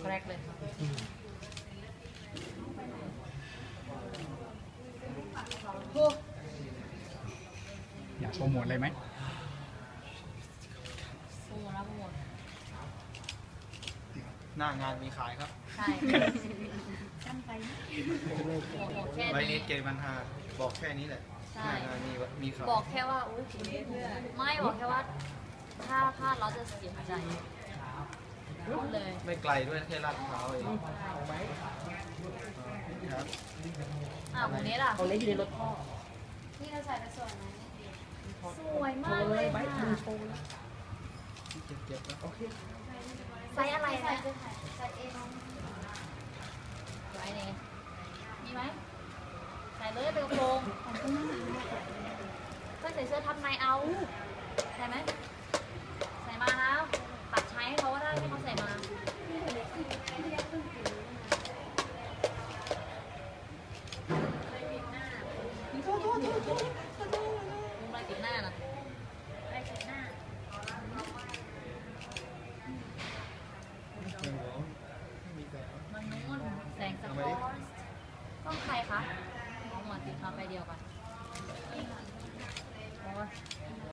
แรกเลยโอ้อยากโปรโมทอะไรไหมโหนะโหดหน้างานมีขายครับใช่ชั้นไปโหดแค่ไว้นี้นิดเกม5บอกแค่นี้แหละใช่หน้างานมีขายบอกแค่ว่าอุ้ยไม่บอกแค่ว่า ถ้าพลาดเราจะเสียใจพูดเลยไม่ไกลด้วยแค่ลาดพร้าวเองครับวันนี้ล่ะเอาเล็กอยู่ในรถพ่อที่เราใส่ไปสวยไหมสวยมากเลยค่ะเจ็บๆนะโอเคไซส์อะไรใส่นะจะใส่เองไซส์นี้มีไหมใส่เลยเป็นกระโปรงก็ใส่เสื้อทับในเอาใส่ไหมใส่มานะปัดใช้ให้เขาก็ได้ให้เขาใส่มามุมอะไรติดหน้าน่ะไปเสร็จหน้ามีแต่มันนู้นแสงสะท้อนต้องใครคะเอาหมดติดมาไปเดียวกันโอ้ย